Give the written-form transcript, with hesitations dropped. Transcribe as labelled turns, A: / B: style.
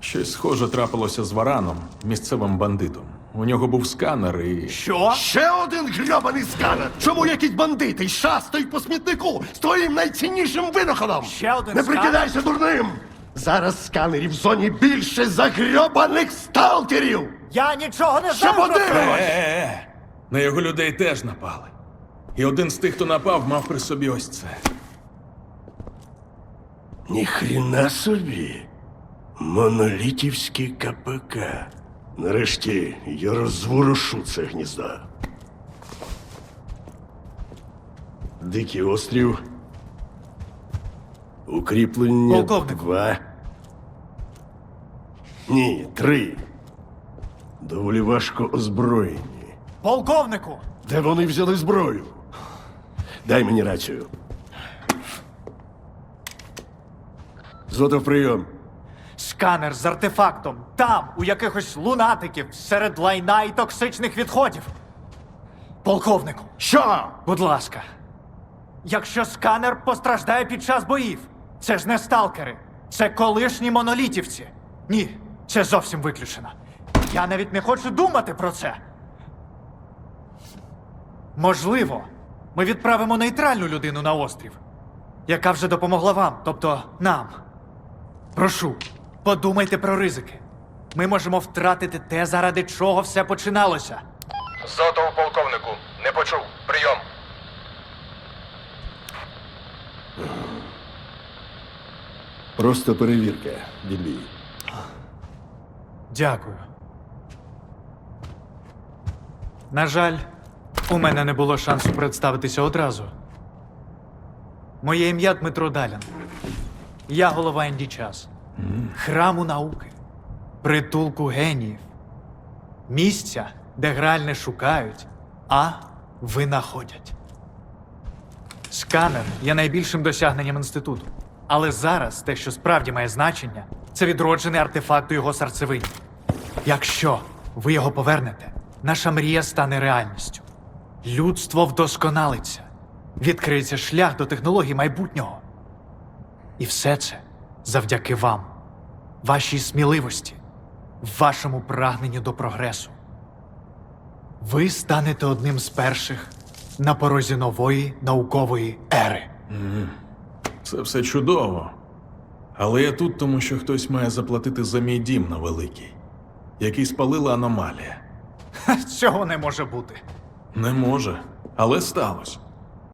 A: Щось схоже трапилося з Вараном, місцевим бандитом. У нього був сканер і...
B: Що?
C: Ще один грьобаний сканер! Чому якісь бандити шастають по смітнику з твоїм найціннішим винаходом?
B: Ще один
C: Не
B: сканер?
C: прикидайся дурним! Зараз сканерів в зоні більше за грьобаних сталкерів!
B: Я нічого не
C: Ще
B: знаю про це!
C: подивимось!
A: На його людей теж напали. І один з тих, хто напав, мав при собі ось це.
C: Ніхрена собі. Монолітівський КПК. Нарешті я розворушу це гніздо. Дикий острів. Укріплення
B: Полковнику.
C: 2. Ні, 3. Доволі важко озброєні.
B: Полковнику!
C: Де вони взяли зброю? Дай мені рацію. Зотов, прийом.
B: Сканер з артефактом. Там, у якихось лунатиків, серед лайна і токсичних відходів. Полковнику,
C: Що?
B: будь ласка. Якщо сканер постраждає під час боїв, це ж не сталкери. Це колишні монолітівці. Ні, це зовсім виключено. Я навіть не хочу думати про це. Можливо, ми відправимо нейтральну людину на острів, яка вже допомогла вам, тобто нам. Прошу, подумайте про ризики. Ми можемо втратити те, заради чого все починалося.
D: Зотов полковнику. Не почув. Прийом.
C: Просто перевірка, відбій.
B: Дякую. На жаль, у мене не було шансу представитися одразу. Моє ім'я Дмитро Далін. Я голова індічас. Храму науки. Притулку геніїв. Місця, де граль не шукають, а винаходять. Сканер є найбільшим досягненням інституту. Але зараз те, що справді має значення, це відроджений артефакт у його серцевині. Якщо ви його повернете, наша мрія стане реальністю. Людство вдосконалиться. Відкриється шлях до технологій майбутнього. І все це завдяки вам, вашій сміливості, вашому прагненню до прогресу. Ви станете одним з перших на порозі нової наукової ери.
A: Це все чудово. Але я тут, тому що хтось має заплатити за мій дім на Великий, який спалила аномалія.
B: Цього не може бути.
A: Не може, але сталося.